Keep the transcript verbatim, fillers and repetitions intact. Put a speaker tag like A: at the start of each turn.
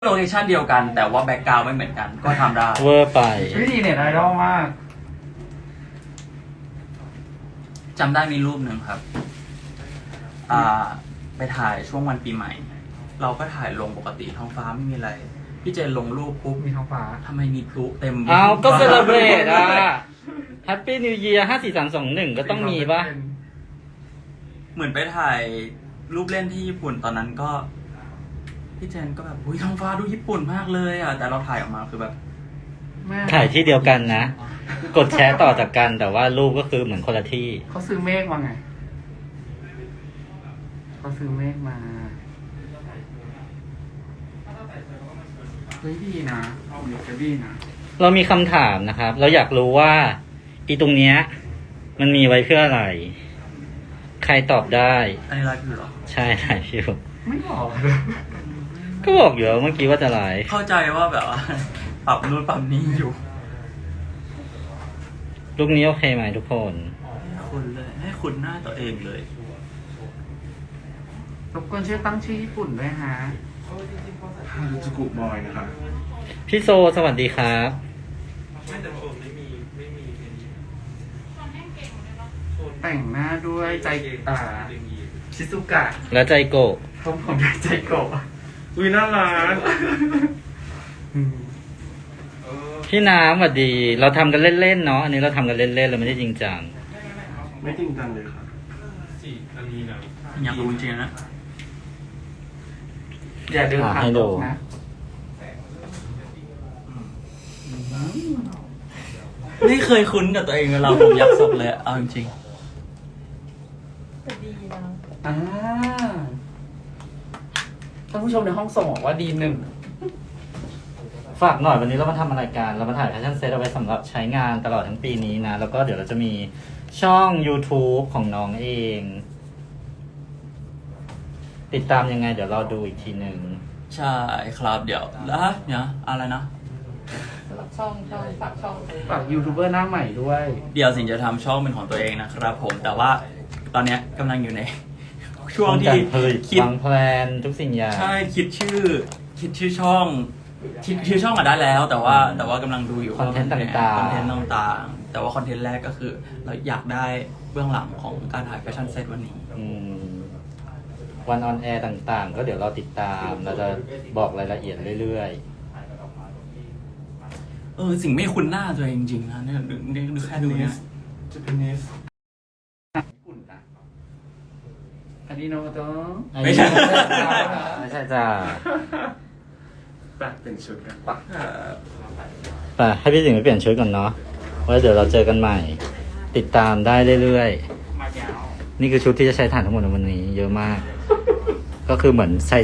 A: โลเคชั่นเดียวกันแต่ว่าแบ็กกราวด์ไม่เหมือนกันก็ทำได้
B: เวอร์ไป
C: วิธีเน็ตไอดอลมาก
A: จำได้มีรูปหนึ่งครับอ่าไปถ่ายช่วงวันปีใหม่ เราก็ถ่ายลงปกติท้องฟ้าไม่มีอะไร พี่เจนลงรูปปุ๊บ
C: มีท้องฟ้า
A: ทำไมมีพลุเต็ม
B: เอาก็เซเลบรตอ่ะแฮปปี้นิวเยียร์ห้าสี่สามสองหนึ่งก็ต้องมีปะ
A: เหมือนไปถ่ายรูปเล่นที่ญี่ปุ่นตอนนั้นก็พี่เจนก็แบบอุ้ยท้องฟ้าดูญี่ปุ่นมากเลยอ่ะแต่เราถ่ายออกมาคือแบบ
B: ถ่ายที่เดียวกันนะ กดแชร์ต่อจากกันแต่ว่ารูปก็คือเหมือนคนละที่
C: เขาซื้อเมฆมาไงเขาซื้อเมฆมาเฮ้ยดีนะเอาเดี๋ยวจะดีนะ
B: เรามีคำถามนะครับ เราอยากรู้ว่าอีตรงเนี้ยมันมีไว้เพื่ออะไร ใครตอบได้
A: อันนี้ไลฟ์อยู่หรอ
B: ใช่ไลฟ์อยู่
C: ไม่บอก
B: ก็บอกอยู่เมื่อกี้ว่าจะไลฟ์
A: เข้าใจว่าแบบว่าปรับนู่นปรับนี้อยู่
B: ลูกนี้โอเคไหมทุกคน
A: ให้คุณเลยให้คุณหน้าตัวเองเลย
C: รบกวนช่วยตั้งชื่อญี่ปุ่นด้วยฮะ
D: ฮารุจูกุบอยนะครับ
B: พี่โซสวัสดีครับ
C: แต่งหน้าด้วยใจอ่าชิซุกะ
B: และใจโกะ
C: ผมผมใจโกะ
D: อุ้ยน่ารัก
B: พี่น้ำสวัสดี เราทำกันเล่นๆเนาะอันนี้เราทำกันเล่นๆเราไม่ได้จริงจัง
D: ไม่จริงจังเลยครับสี่อันนี้นะ
A: อยากรู้จริงๆนะ
C: อย่าเดินผ่านตกนะ
A: นี่เคยคุ้นกับตัวเองเวลาผมยักศพเลยเอาจริง
E: ๆแต่ดีนะ
C: อ่าท่านผู้ชมในห้องส่งบอกว่าดีหนึ่ง
B: ฝากหน่อยวันนี้เรามาทำอะไรกันเรามาถ่ายแฟชั่นเซตเอาไว้สำหรับใช้งานตลอดทั้งปีนี้นะแล้วก็เดี๋ยวเราจะมีช่อง YouTube ของน้องเองติดตามยังไงเดี๋ยวเราดูอีกทีหนึ่ง
A: ใช่ครับเดี๋ยวแล้วเนี่ยอะไรนะ
E: ช่องช่องฝากช่อง
C: ฝากยูทูบเบอร์หน้าใหม่ด้วย
A: เดี๋ยวสิงจะทำช่องเป็นของตัวเองนะครับผมแต่ว่าตอนเนี้ยกำลังอยู่ในช่วงที่
B: คิดวางแผนทุกสิ่งอย่าง
A: ใช่คิดชื่อคิดชื่อช่องคิดชื่อช่องมาได้แล้ว แต่ว่าแต่ว่ากำลังดูอยู่
B: คอนเทนต์ต่างๆ
A: คอนเทนต์ต่างๆแต่ว่าคอนเทนต์แรกก็คือเราอยากได้เบื้องหลังของการถ่ายแฟชั่นเซตวันนี้
B: วันออนแอร์ต่างๆก็เดี๋ยวเราติดตามเราจะบอกรายละเอียดเรื่อย
A: ๆเออสิ่งไม่คุ้นหน้าตัวเองจริงๆนะเนี่ยดูแค่ดูเนี่ย
D: จะเป็นเนส
C: ญี่ปุ่นนะอันนี้โนโตะ
A: ไม่ใช่
B: ไม่ใช่จ้า
D: ไปเป็นชุดกัน
C: ปัก
B: ไปให้พี่สิงห์ไปเปลี่ยนชุดก่อนเนาะไว้เดี๋ยวเราเจอกันใหม่ติดตามได้เรื่อยๆนี่คือชุดที่จะใช้ถ่านทั้งหมดในวันนี้เยอะมากก็คือเหมือนใส่